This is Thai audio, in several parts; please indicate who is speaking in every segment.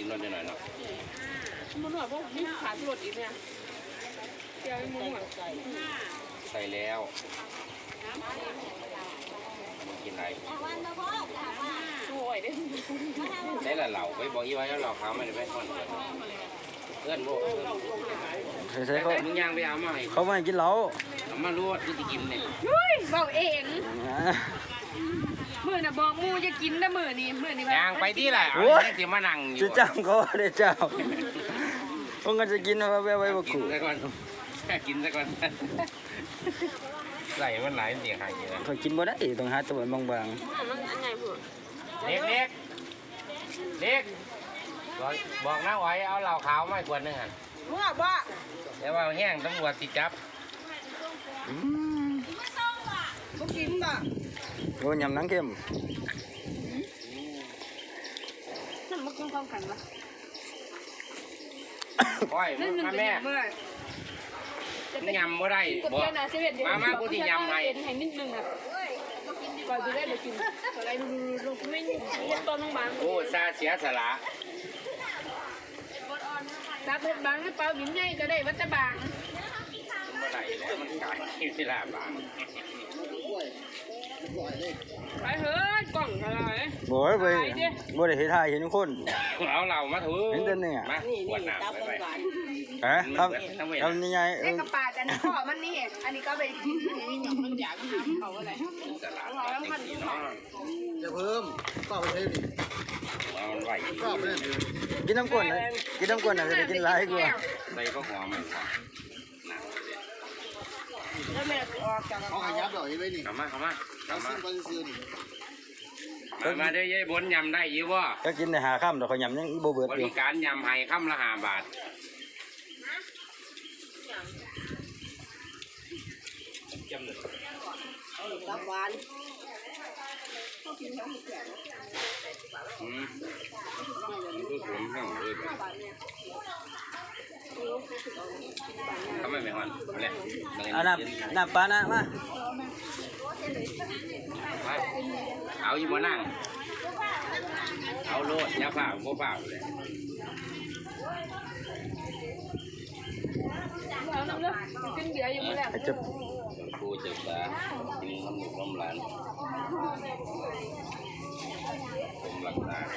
Speaker 1: นวลหน่อยเนาะ
Speaker 2: มันหน่อยพวกนี่ขาดหลุดอีกเนี่ยเดี๋ยวมึงหน่อย
Speaker 1: ใส่แล้วมึงกินอะไร
Speaker 2: โอ้ยได้
Speaker 1: ได้ละเหล่าไปบอกยี่ไว้แล้วเหล่าเขาไม่ได้ไปก่อนเพื่อนโบ
Speaker 3: ใส่เขา
Speaker 1: มึงย่างไปเอามาให้
Speaker 3: เขาไม่ให้กินเหล้า
Speaker 1: เอามาลวดที่จะกินเนี่ย
Speaker 2: เฮ้ยเบาเองมือน่ะบอกมูจะกินนะมือนี่
Speaker 1: ย่างไปที่ไหนเอาเนี่ยที่มานั่งอยู่
Speaker 3: จะจ้างเขาได้เจ้าพวกกันจะกินเอาไว้บ
Speaker 1: กิ
Speaker 3: กู
Speaker 1: นซะก่อนกินซะก่อนใส่มันหลายเสียหายเยอะ
Speaker 3: เขากินบ่ได้ต้องหาตัวบาง
Speaker 2: มันอันไงพูด
Speaker 1: เล็กบอกน้าไว้เอาเหล่าขาวมาขวดนึงอ่ะ
Speaker 2: มึงอ่ะบ้า
Speaker 1: เดี๋ยวว่าแห้งตำรวจติดจับ
Speaker 2: มึงกินป่ะ
Speaker 3: โอ้ยำหนังเข้ม
Speaker 2: นั่นมันกินความกันปะ
Speaker 1: โอ้ยมาแม่ยำบ่ได้บอกมากูที่ยำให้
Speaker 2: ให้นิดนึงอ่ะก่อนจะได้ไปกินอะไรลูกไม่เรียนต้นน้องบาง
Speaker 1: โอ้ซาเสียสละ
Speaker 2: ตาเพชรบางหรือเปล่าหินใหญ่ก็ได้วัดตะบาง
Speaker 1: บ่ได้แล้วมันกลายเป็นเวลาบาง
Speaker 2: ไปเฮ้ยกล่องอะไร
Speaker 3: บ่ได้ไปบ่ได้เฮ็ดทายเห็นคน
Speaker 1: เอาเหล่ามาถือ
Speaker 3: เห็นแต่เนี่ย
Speaker 1: มาขวดน้ำไป
Speaker 3: ครับทำยังไง
Speaker 2: ไอ้กระปาดอันนี้ข้อมันนี่อันนี้ก็ไปกินมันอยากทำเขาอะไร
Speaker 1: สละแล้วมันเนาะ
Speaker 4: จะเพิ่มก็ไปใช้ดิ
Speaker 1: เอามันไหว
Speaker 4: ก็ไปเล่นดิ
Speaker 3: กินน้ำก้นนะกินน้ำก้นน่ะจะได้กินหลายกว่า
Speaker 1: ใส่ก็หอมมันหอม
Speaker 2: แล้วแม่ออกจาก
Speaker 4: เขาขยับดอกไอ้ไว้นี่
Speaker 1: เข้ามา
Speaker 4: เราซื้อไปซื้อนี่
Speaker 1: มาเด้อยายบนยำได้ยี่ว่า
Speaker 3: ก็กินได้หาค่ำดอกเขายำยังบ่เบิด
Speaker 1: บ
Speaker 3: อยู่
Speaker 1: ริการยำให้ค่ำละ5 บาทจำเลย
Speaker 2: รับหวาน
Speaker 1: คือผมทั้งเลยทำไมไม่หอนเอาเลย
Speaker 3: เอาน้ำปลานะมา
Speaker 1: เอาอยู่มานั่งเอาโลดยาเปล่าบ่เปล่าเลย
Speaker 2: แล้วน้ำเลือดกินเบียร์อยู่ไม่ได้
Speaker 3: จะ
Speaker 1: ครูเจ็บตากินน้ำหมูน้ำหลานผมรักษา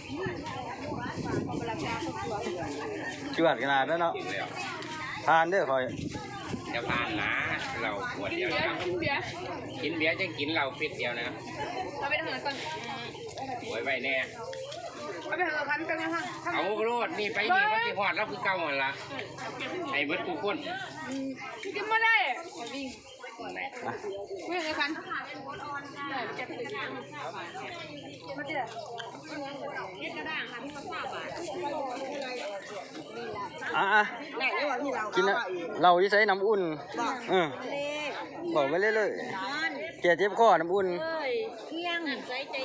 Speaker 3: จวดขนาดนั้นเนาะ
Speaker 1: กินแล้ว
Speaker 3: ทานเด้อคอย
Speaker 1: จะผ่านนะเราขวด
Speaker 2: กิน
Speaker 1: เดียว
Speaker 2: เบีย
Speaker 1: นะ
Speaker 2: ร์กินเบียร์
Speaker 1: กินเบียร์จะกินเราปิดเดียวนะ
Speaker 2: เราไปทำงานก่อน
Speaker 1: ไว้ไว้แน่
Speaker 2: เราไปทำงานกันกันนะคะ
Speaker 1: เอาโลดนี่ไปนี่มันจะหอดแล้วคือเก่าหมดละไอ้เบิดกูคน
Speaker 2: กินไม่ได้วิ่ง
Speaker 1: ไหน
Speaker 2: วิ่งเลยคันเจ็บเลยมาเจอเย็ดกระด้างค่ะที่เขาทราบอ่ะ
Speaker 3: อ่ะ
Speaker 2: ไหนไม่ว่าที่เรา
Speaker 3: กินนะเราที่ใช้น้ำอุ่นบอกไปเรื่อยๆแกเจ็บคอน้ำอุ่น
Speaker 2: เอ้ยเที่ยงใจใจ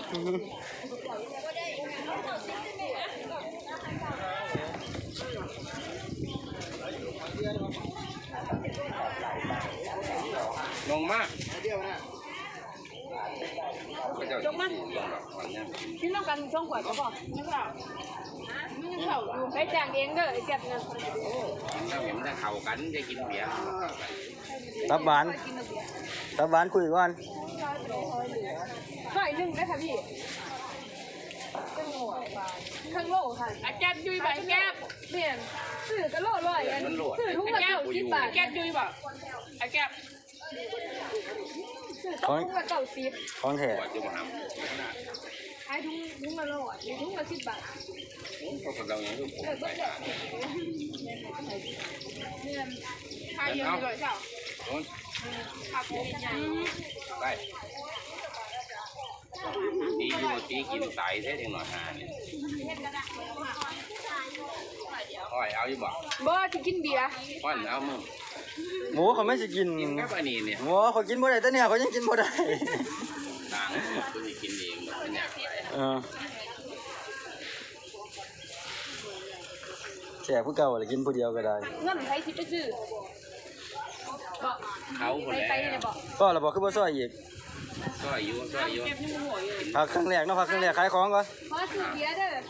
Speaker 1: ลงมา
Speaker 4: เดียวนะ
Speaker 1: จงมาวันนี้
Speaker 2: กินน้ำกันช่องขวดก็บอกไม่เปล่าไม่เปล่าอยู่ไปจ้างเองเด้อไอ้เจ็บนะ
Speaker 1: เราเห็นถ้าเข่ากันจะกินเบียร์
Speaker 3: ตับหวานตับหวานคุยก่อน
Speaker 2: ก็อีกนึงได้ค่ะพี่ทั้งโลค่ะอาแก๊บยุยบ่แก๊บเปลี่ยนซื้อกระโลร้อยกันซื้อทุกกระเก้า10 บาทแก๊บยุยบ่อาแก๊บซื้อต้องทุกกระเก้า10
Speaker 3: ของแท้
Speaker 1: ปวดจุ่มห
Speaker 2: ขายทุกละร้อยทุกละ10 บาท
Speaker 1: ำเขาเราอย่างนี้ผมไป
Speaker 2: เนี่ยขายเยอะเลยเจ้า
Speaker 1: โอ้ย
Speaker 2: ผักใหญ่
Speaker 1: ได้ตีอยู่ตีกินไตเท่ถึงหน่อยหาเนี่ยอ้อยเอาอยู่บ่
Speaker 2: บ่ที่กินเบียร์
Speaker 1: ป้อนเอามึง
Speaker 3: หมูเขาไม่สิกิน
Speaker 1: กินกับอันนี้เนี่ย
Speaker 3: หมูเขากินบ่ได้แต่เนี่ยเขายังกินบ่ได้
Speaker 1: ต่างคุณจะกินเองเป็นอย่างไร
Speaker 3: แช่ผู้เก่าเลยกินผู้เดียวก็ได้
Speaker 2: เงินใครสิไปซื้อบ่
Speaker 1: เขาคน
Speaker 2: ไป
Speaker 1: แล้ว
Speaker 2: เลยบ่
Speaker 3: ก็เราบอกคือบ่ซอยอีก
Speaker 1: ก็อายุ
Speaker 2: เก็บในหัวอยู่
Speaker 3: พักครั้งแรกเนาะพักครั้งแรกขายของก่อน
Speaker 2: เพราะซื้อเบียร์เด้อ